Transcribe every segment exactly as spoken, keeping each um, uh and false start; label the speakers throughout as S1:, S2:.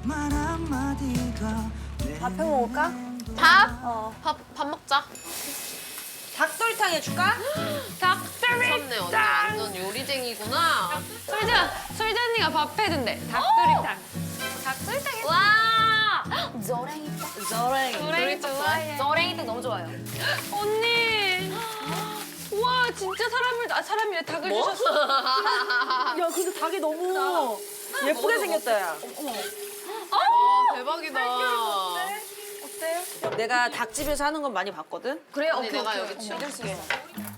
S1: 밥 해 먹을까?
S2: 밥?
S1: 어.
S2: 밥, 밥 먹자.
S1: 닭도리탕 해줄까?
S2: 미쳤네, 언니 완전 요리쟁이구나.
S3: 솔자, 솔자 언니가 밥 해준대. 닭도리탕. 닭도리탕 해.
S1: 와! 저랭이탕. 저랭이.
S3: 조랭이 좋아해.
S1: 저랭이탕 너무 좋아요.
S3: 언니. 와 진짜 사람을 아 사람이래 닭을 주셨어.
S1: 야, 근데 닭이 너무 예쁘게 생겼다, 야.
S2: 와, 대박이다.
S1: 내가 닭집에서 하는 건 많이 봤거든?
S2: 그래, 언니 내가 여기 치워.
S1: 믿을 수 있어.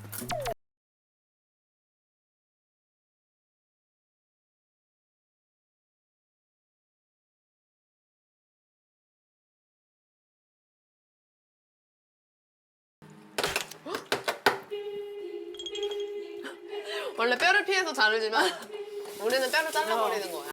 S2: 원래 뼈를 피해서 자르지만 우리는 뼈를 잘라버리는 거야.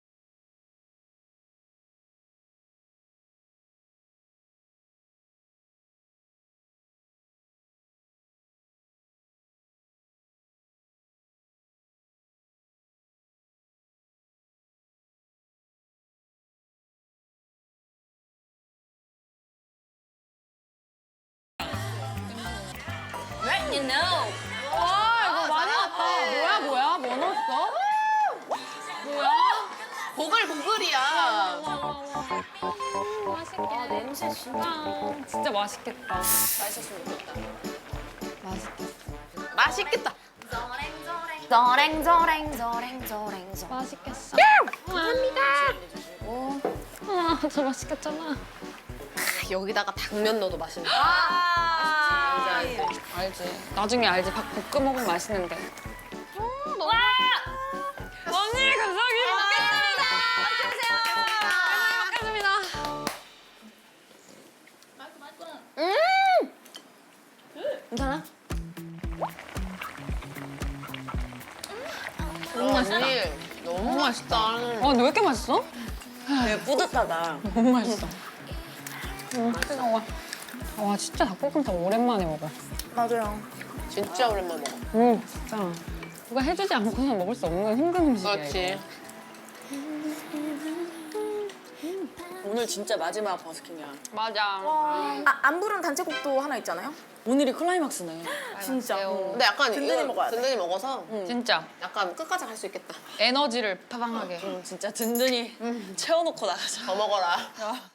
S1: Right, you know.
S3: 와 이거 많이 왔다. 뭐야 뭐야 뭐 넣었어? 뭐야?
S2: 보글보글이야.
S3: 맛있게. 냄새 진짜 진짜 맛있겠다.
S2: 맛있었으면 좋겠다.
S3: 맛있겠어.
S2: 맛있겠다.
S1: 저랭, 저랭, 저랭, 저랭, 저랭.
S3: 맛있겠어. 감사합니다. 아 진짜 맛있겠잖아.
S2: 여기다가 당면 넣어도 맛있는 거.
S1: 아,
S2: 알지, 알지.
S3: 알지. 나중에 알지. 밥 볶음 먹으면 맛있는데.
S1: 와!
S3: 언니 감사합니다.
S1: 먹겠습니다.
S3: 먹겠습니다.
S1: 음! 괜찮아?
S2: 너무 맛있다. 언니, 너무 맛있다.
S3: 아 근데 왜 이렇게 맛있어?
S1: 되게 뿌듯하다.
S3: 너무 맛있어. 음, 뜨거워. 와 진짜 닭볶음탕 오랜만에 먹어.
S1: 맞아요.
S2: 진짜 오랜만에 먹어.
S3: 음 진짜. 누가 해주지 않고서 먹을 수 없는 힘든 음식이야.
S2: 그렇지.
S1: 오늘 진짜 마지막 버스킹이야.
S3: 맞아.
S4: 아, 안 부른 단체곡도 하나 있잖아요?
S1: 오늘이 클라이막스네.
S4: 진짜.
S2: 근데 약간
S1: 든든히
S2: 이거
S1: 먹어야 돼.
S2: 든든히 먹어서
S3: 진짜
S2: 약간 끝까지 갈 수 있겠다.
S3: 에너지를 파방하게.
S1: 진짜 든든히 채워놓고 나가자.
S2: 더 먹어라.